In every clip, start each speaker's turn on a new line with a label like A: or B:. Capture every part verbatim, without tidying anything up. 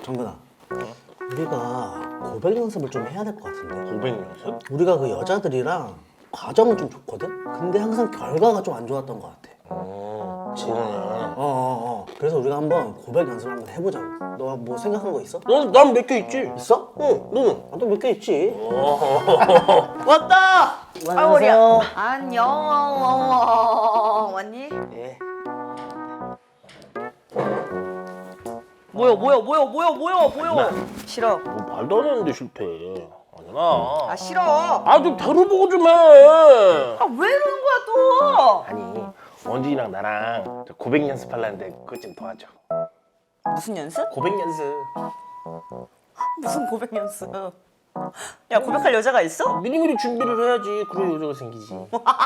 A: 정근아, 우리가 고백 연습을 좀 해야 될 것 같은데.
B: 고백 연습?
A: 우리가 그 여자들이랑 과정은 좀 좋거든? 근데 항상 결과가 좀 안 좋았던 것 같아.
B: 어, 그러네.
A: 어어어. 어, 어. 그래서 우리가 한번 고백 연습을 한번 해보자고. 너 뭐 생각한 거 있어?
B: 넌, 난 몇 개 있지?
A: 있어?
B: 응, 너는?
A: 나도 몇 개 있지.
B: 왔다!
C: 아, 머리야. 안녕. 왔니?
A: 예.
C: 뭐야, 뭐야, 뭐야, 뭐야, 뭐야, 뭐야. 싫어.
B: 뭐 말도 안 했는데 실패. 아니나.
C: 아, 싫어.
B: 아, 좀 들어보고 좀 해.
C: 아, 왜 이러는 거야, 또?
B: 아니, 원준이랑 나랑 저 고백 연습하려는데 그것 좀 도와줘.
C: 무슨 연습?
B: 고백 연습.
C: 무슨 고백 연습? 야, 고백할 여자가 있어?
B: 미리미리 준비를 해야지. 그래야 여자가 생기지.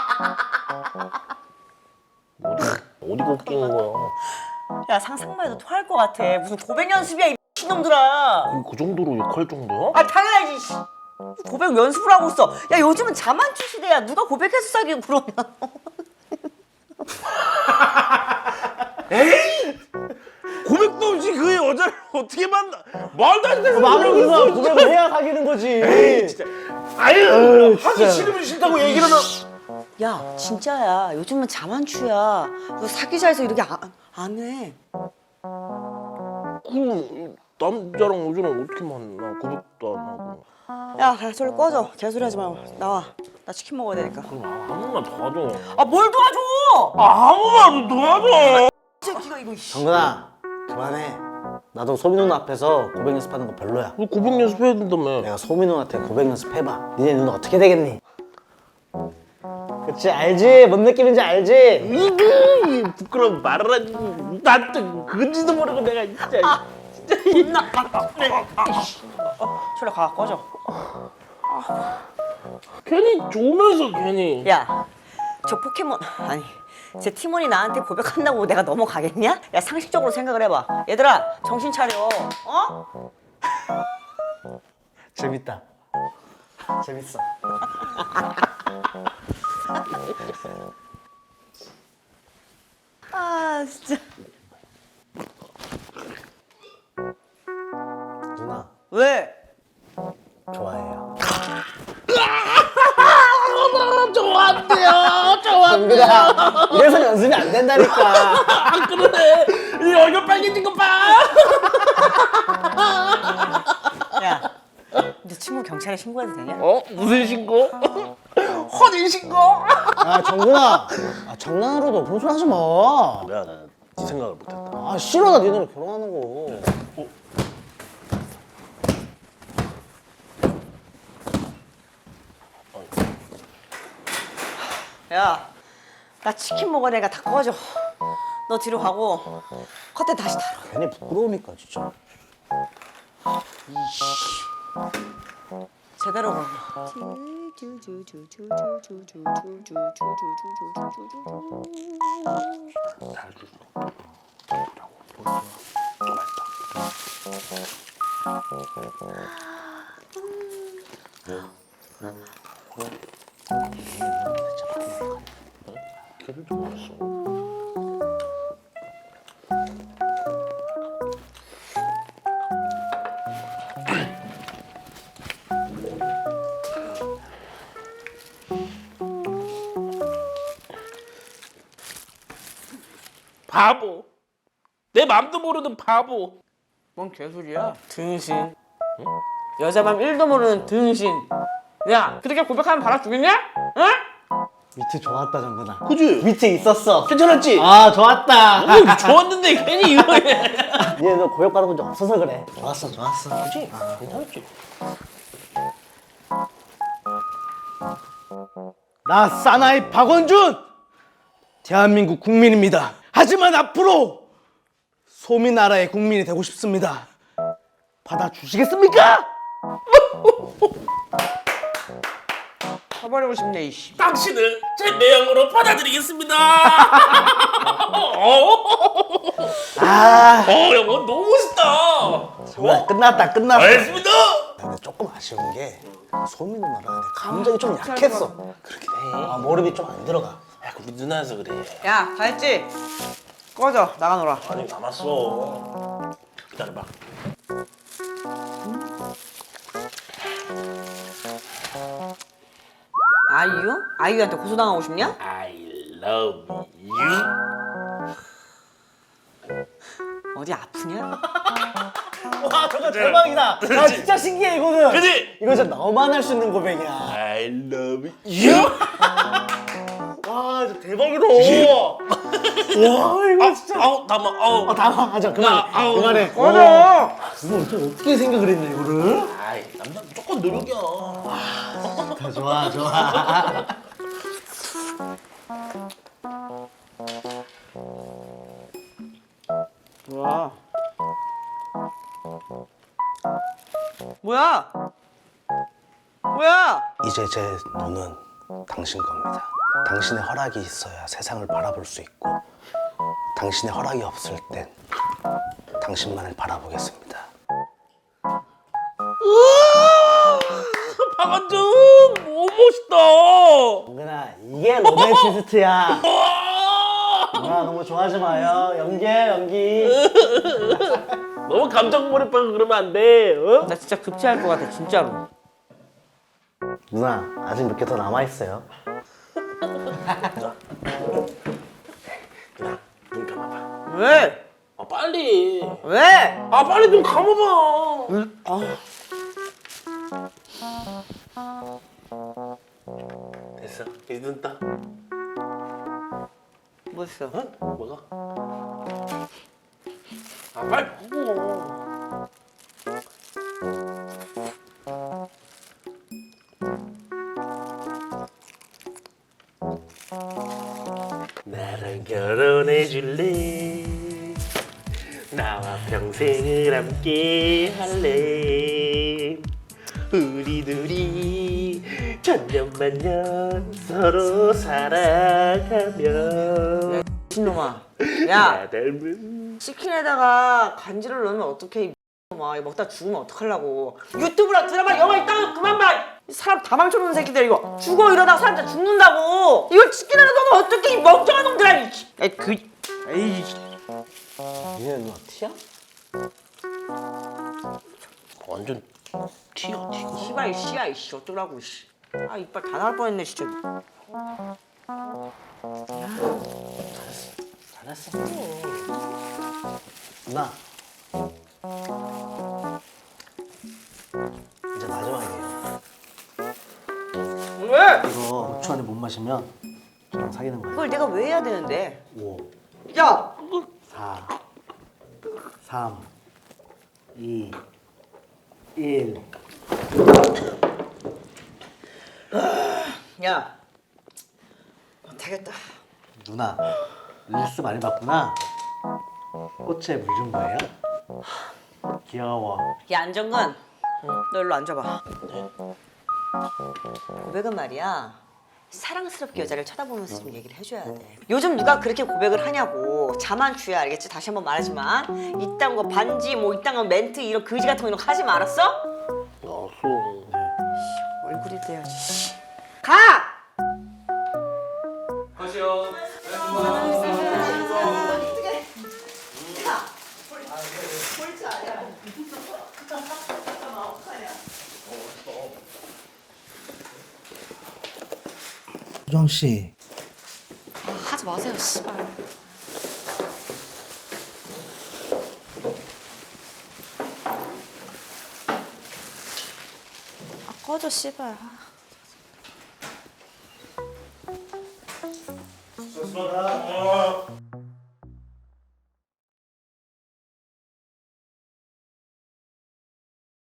B: 어디, 어디가 웃기는 거야?
C: 야, 상상만 해도 토할 것 같아. 무슨 고백 연습이야, 이 미친놈들아.
B: 그 정도로 욕할 정도야?
C: 아, 당연하지. 씨. 고백 연습을 하고 있어. 야, 요즘은 자만추 시대야. 누가 고백해서 사귀고 그러냐.
B: 에이! 고백도 없이 그 여자를 어떻게 만나? 말도 안 되는
A: 말을
B: 소리를
A: 그래서
B: 했어,
A: 고백을 해야 사귀는 거지.
B: 에이, 진짜. 아유,
A: 에이,
B: 하기
A: 진짜.
B: 싫으면 싫다고 얘기를 하면.
C: 야, 진짜야. 요즘은 자만추야. 너 사귀자 해서 이렇게 안, 안 해.
B: 그 남자랑 여자랑 어떻게 만나? 고백도 안 하고.
C: 야, 소리 꺼져. 개소리 하지 마. 나와. 나 치킨 먹어야 되니까.
B: 그럼 아무나 도와줘.
C: 아, 뭘 도와줘!
B: 아무나 도와줘.
C: 이 새끼가 이거. 씨.
A: 정근아, 그만해. 나도 소미 누나 앞에서 고백 연습하는 거 별로야.
B: 너 고백 연습해야 된다며.
A: 내가 소미 누나한테 고백 연습해봐. 니네 누나 어떻게 되겠니? 그치, 알지? 뭔 느낌인지 알지?
B: 이그 부끄러운 말을 하지. 나도 그건지도 모르고 내가 진짜.
C: 아, 존나. 아, 네. 소리 가, 꺼져.
B: 괜히 좋으면서 괜히.
C: 야, 저 포켓몬 아니 제 팀원이 나한테 고백한다고 내가 넘어가겠냐? 야, 상식적으로 생각을 해봐. 얘들아, 정신 차려. 어?
A: 재밌다. 재밌어.
C: 아, 진짜.
A: 누나,
C: 왜?
A: 좋아해요.
B: 좋았대요. 좋았대요.
A: 정근아, 이래서 연습이 안 된다니까.
B: 아 그러네. 이 얼굴 빨개진 거 봐.
C: 야, 너 친구 경찰에 신고해도 되냐?
B: 어? 무슨 신고? 혼인 신고?
A: 아, 정근아. 아, 장난으로도 그런 소리 하지 마.
B: 야, 나 네 생각을 못했다.
A: 아, 싫어. 나 니네랑 결혼하는 거.
C: 야, 나 치킨 먹어야 되니까 다 꺼져. 너 뒤로 가고 커튼 다시 달아.
A: 괜히 부끄러우니까, 진짜.
C: 제대로 걸어.
B: 잘 줬어. 걔를 좀 왔어. 바보. 내 맘도 모르는 바보.
C: 뭔 개소리야? 등신. 응? 여자 맘 일도 모르는 등신. 야, 그렇게 고백하면 받아주겠냐? 응?
A: 위트 좋았다, 정근아.
B: 그지?
A: 위트 있었어.
B: 괜찮았지?
A: 아, 좋았다.
B: 어, 좋았는데 괜히 이거 해.
A: 니네 너 고백 받아본 적 없어서 그래. 좋았어, 좋았어.
B: 그지? 괜찮았지?
A: 나 사나이 박원준! 대한민국 국민입니다. 하지만 앞으로 소미나라의 국민이 되고 싶습니다. 받아주시겠습니까?
C: 쳐버리고 싶네, 이씨.
B: 당신을 제 매형으로 받아들이겠습니다.
A: 아,
B: 어, 야, 뭐 너무 멋있다.
A: 정말 끝났다, 끝났다.
B: 알겠습니다.
A: 근데 조금 아쉬운 게 소미 누나랑 내 감정이 좀 약했어.
B: 그렇긴 해.
A: 아, 몰입이 좀 안 들어가.
B: 야, 그 우리 누나여서 그래.
C: 야, 다 했지? 꺼져, 나가노라.
B: 아니, 남았어. 기다려봐.
C: 아이유? 아이유한테 고소당하고 싶냐?
B: I love you.
C: 어디 아프냐?
A: 와 저거 대박이다. 나 진짜 신기해 이거는.
B: 그지?
A: 이거 진짜 너만 할 수 있는 고백이야.
B: I love you.
A: 와 진짜 대박이다. 와 이거 진짜.
B: 아우 담아. 아우.
A: 아 당황하자 그만.
B: 아, 아우.
A: 그만해.
C: 맞아.
A: 이거 어떻게, 어떻게 생각을 했냐 이거를?
B: 아이 남자 무조건 노력이야.
A: 다 좋아 좋아.
C: 뭐야? 뭐야? 뭐야?
A: 이제 제 눈은 당신 겁니다. 당신의 허락이 있어야 세상을 바라볼 수 있고 당신의 허락이 없을 땐 당신만을 바라보겠습니다.
B: 박완준 너무 멋있다.
A: 은근아 이게 로맨시스트야. 누나 너무 좋아하지 마요. 연기해 연기.
B: 너무 감정 몰입하고 그러면 안 돼. 어?
C: 나 진짜 급체할 것 같아 진짜로.
A: 누나 아직 몇 개 더 남아 있어요.
B: 눈 감아봐.
C: 왜?
B: 아 빨리.
C: 왜?
B: 아 빨리 눈 감아봐. 됐어. 이제 눈 떠.
C: 뭐 했어?
B: 어? 뭐가? 아 빨리 보고. 나랑 결혼해 줄래? 나와 평생을 함께 할래? 우리 둘이 천년만년 서로 살아가며
C: 미친놈아. 야
B: 나 닮은
C: 치킨에다가 간지를 넣으면 어떡해 이 놈아. 이거 먹다 죽으면 어떡하려고. 유튜브랑 드라마 영화 있다고 그만 봐. 이 사람 다 망쳐놓는 새끼들 이거. 죽어 이러다가 사람 다 죽는다고. 이걸 치킨에다 넣으면 어떡해 이 멍청한 놈들아. 이 에이 그 에이.
A: 얘 누나 티야?
B: 완전 튀어 튀어.
C: 씨발 씨야 이씨 어쩌라고 씨. 아 이빨 다 나올 뻔했네 진짜.
A: 잘했어. 누나 이제 마지막이에요.
C: 왜?
A: 이거 오 초 안에 못 마시면 저랑 사귀는 거예요.
C: 그걸 내가 왜 해야 되는데?
A: 오,
C: 야!
A: 사, 삼, 이, 일.
C: 야! 못하겠다.
A: 누나 릴스 많이 봤구나. 꽃에 물 준 거예요? 귀여워.
C: 야 안정근 너 일로 앉아봐. 고백은 말이야 사랑스럽게 여자를 쳐다보면서 좀 얘기를 해줘야 돼. 요즘 누가 그렇게 고백을 하냐고. 자만추야 알겠지? 다시 한번 말하지만 이딴 거 반지 뭐 이딴 거 멘트 이런 거지 같은 거 이런 거 하지 말았어?
B: 알았어.
C: 얼굴이 돼야지. 가!
B: 가시오.
A: 수정 씨.
D: 하지 마세요, 씨발. 아, 꺼져, 씨발.
B: 수고하다.